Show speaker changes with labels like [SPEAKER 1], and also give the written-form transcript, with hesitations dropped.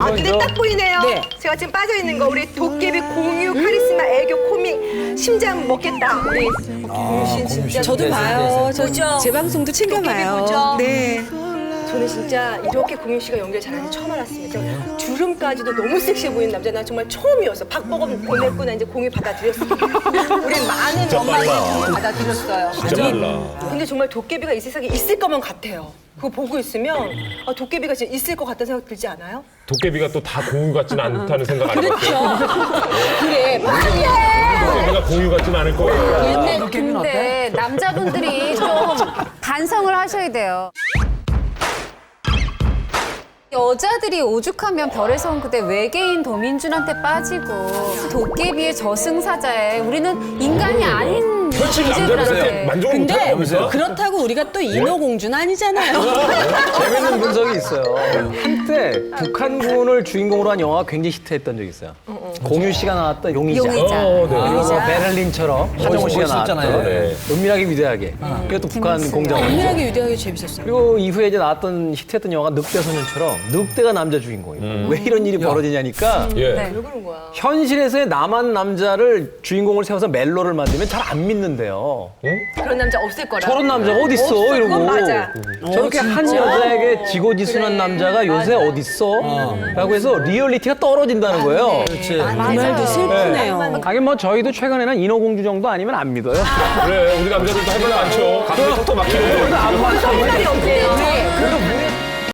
[SPEAKER 1] 눈에 딱 보이네요.
[SPEAKER 2] 네.
[SPEAKER 1] 제가 지금 빠져있는 거 우리 도깨비 공유 카리스마 애교 코믹 심장 먹겠다. 우리 공유 씨 진짜
[SPEAKER 2] 저도 봐요. 저
[SPEAKER 1] 보죠?
[SPEAKER 2] 제 방송도 챙겨봐요.
[SPEAKER 1] 도깨비 보죠?
[SPEAKER 2] 네.
[SPEAKER 1] 저는 진짜 이렇게 공유 씨가 연기를 잘하는지 처음 알았습니다. 주름까지도 너무 섹시해 보이는 남자 난 정말 처음이었어. 박보검 보냈고 나 이제 공유 받아들였어. 우리 많은 엄마들이 받아들였어요.
[SPEAKER 3] 진짜 빨라.
[SPEAKER 1] 근데 정말 도깨비가 이 세상에 있을 것만 같아요. 그거 보고 있으면 아, 도깨비가 진짜 있을 것 같다는 생각 들지 않아요?
[SPEAKER 3] 도깨비가 또 다 공유 같지는 않다는 생각 안 해봤어요?
[SPEAKER 1] 그래, 빨리 해!
[SPEAKER 3] 도깨비가 공유 같지는 않을 거예요.
[SPEAKER 4] 근데 남자분들이 좀 반성을 하셔야 돼요. 여자들이 오죽하면 별에서 온 그대 외계인 도민준한테 빠지고 도깨비의 저승사자에 우리는 인간이 아닌
[SPEAKER 3] 현실 남자들한테
[SPEAKER 4] 존재들한테
[SPEAKER 3] 만족을
[SPEAKER 2] 근데
[SPEAKER 3] 못하면서
[SPEAKER 2] 그렇다고 우리가 또 인어공주는 아니잖아요.
[SPEAKER 5] 재밌는 분석이 있어요. 한때 북한군을 주인공으로 한 영화가 굉장히 히트했던 적이 있어요. 공유 씨가 나왔던 용의자.
[SPEAKER 4] 용의자.
[SPEAKER 3] 네.
[SPEAKER 5] 그리고 베를린처럼 하정우 씨가 나왔던
[SPEAKER 3] 네.
[SPEAKER 5] 은밀하게 위대하게. 그게 또 북한 공작원.
[SPEAKER 2] 은밀하게 유대하게 재밌었어요.
[SPEAKER 5] 그리고 이후에 이제 나왔던 히트했던 영화가 늑대소년처럼 늑대가 남자 주인공이에요. 왜 이런 일이 벌어지냐니까
[SPEAKER 3] 예.
[SPEAKER 4] 네.
[SPEAKER 1] 왜 그런 거야?
[SPEAKER 5] 현실에서의 남한 남자를 주인공을 세워서 멜로를 만들면 잘 안 믿는데요.
[SPEAKER 1] 그런 남자 없을 거라.
[SPEAKER 5] 저런 남자가 어딨어
[SPEAKER 1] 없어,
[SPEAKER 5] 이러고
[SPEAKER 1] 그건 맞아.
[SPEAKER 5] 저렇게 한 여자에게 지고지순한 남자가 요새 어딨어? 라고 해서 리얼리티가 떨어진다는 거예요.
[SPEAKER 2] 그 말도 슬프네요.
[SPEAKER 5] 하긴 뭐 저희도 최근에는 인어공주 정도 아니면 안 믿어요.
[SPEAKER 3] 그래, 우리 남자들도 할 말 많죠. 감정이 톡톡 막히는데.
[SPEAKER 1] 생각이 없대요.
[SPEAKER 5] 그래도